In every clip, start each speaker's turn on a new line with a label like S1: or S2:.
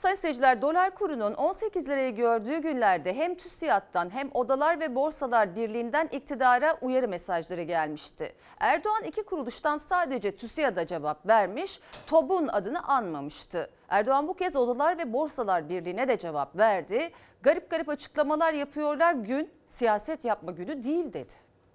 S1: Sayın seyirciler, dolar kurunun 18 lirayı gördüğü günlerde hem TÜSİAD'dan hem Odalar ve Borsalar Birliği'nden iktidara uyarı mesajları gelmişti. Erdoğan iki kuruluştan sadece TÜSİAD'a cevap vermiş, TOB'un adını anmamıştı. Erdoğan bu kez Odalar ve Borsalar Birliği'ne de cevap verdi. Garip garip açıklamalar yapıyorlar, gün siyaset yapma günü değil dedi.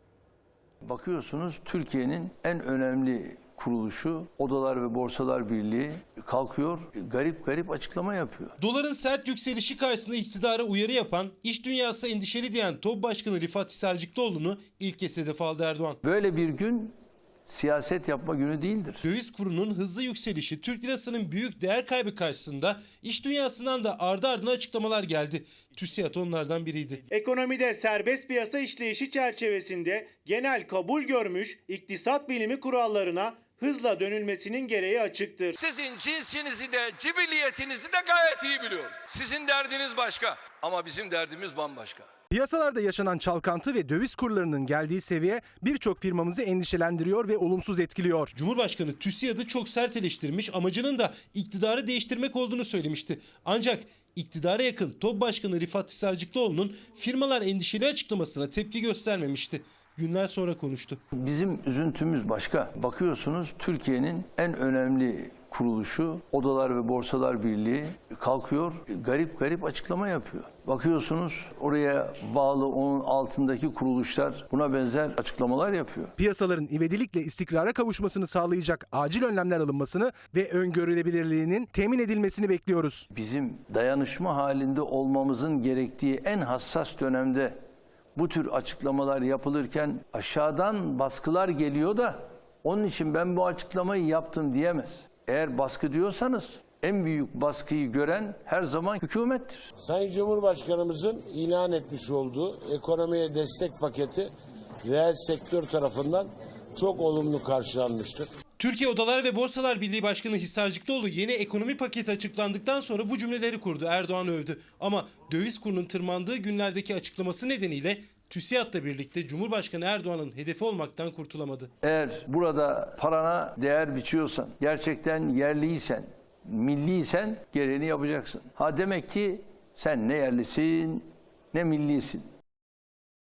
S2: Bakıyorsunuz Türkiye'nin en önemli kuruluşu Odalar ve Borsalar Birliği kalkıyor, garip garip açıklama yapıyor.
S3: Doların sert yükselişi karşısında iktidara uyarı yapan, iş dünyası endişeli diyen TOB Başkanı Rifat Hisarcıklıoğlu'nu ilk kez hedef aldı Erdoğan.
S2: Böyle bir gün siyaset yapma günü değildir.
S3: Döviz kurunun hızlı yükselişi, Türk lirasının büyük değer kaybı karşısında iş dünyasından da ardı ardına açıklamalar geldi. TÜSİAD onlardan biriydi.
S4: Ekonomide serbest piyasa işleyişi çerçevesinde genel kabul görmüş iktisat bilimi kurallarına hızla dönülmesinin gereği açıktır.
S5: Sizin cinsinizi de cibilliyetinizi de gayet iyi biliyorum. Sizin derdiniz başka ama bizim derdimiz bambaşka.
S6: Piyasalarda yaşanan çalkantı ve döviz kurlarının geldiği seviye birçok firmamızı endişelendiriyor ve olumsuz etkiliyor.
S3: Cumhurbaşkanı TÜSİAD'ı çok sert eleştirmiş, amacının da iktidarı değiştirmek olduğunu söylemişti. Ancak iktidara yakın TOB Başkanı Rifat Hisarcıklıoğlu'nun firmalar endişeli açıklamasına tepki göstermemişti. Günler sonra konuştu.
S2: Bizim üzüntümüz başka. Bakıyorsunuz Türkiye'nin en önemli kuruluşu Odalar ve Borsalar Birliği kalkıyor, garip garip açıklama yapıyor. Bakıyorsunuz oraya bağlı onun altındaki kuruluşlar buna benzer açıklamalar yapıyor.
S6: Piyasaların ivedilikle istikrara kavuşmasını sağlayacak acil önlemler alınmasını ve öngörülebilirliğinin temin edilmesini bekliyoruz.
S2: Bizim dayanışma halinde olmamızın gerektiği en hassas dönemde bu tür açıklamalar yapılırken aşağıdan baskılar geliyor da onun için ben bu açıklamayı yaptım diyemez. Eğer baskı diyorsanız en büyük baskıyı gören her zaman hükümettir.
S7: Sayın Cumhurbaşkanımızın ilan etmiş olduğu ekonomiye destek paketi reel sektör tarafından çok olumlu karşılanmıştır.
S3: Türkiye Odalar ve Borsalar Birliği Başkanı Hisarcıklıoğlu yeni ekonomi paketi açıklandıktan sonra bu cümleleri kurdu. Erdoğan övdü. Ama döviz kurunun tırmandığı günlerdeki açıklaması nedeniyle TÜSİAD'la birlikte Cumhurbaşkanı Erdoğan'ın hedefi olmaktan kurtulamadı.
S2: Eğer burada parana değer biçiyorsan, gerçekten yerliysen, milliysen gereğini yapacaksın. Ha demek ki sen ne yerlisin ne millisin.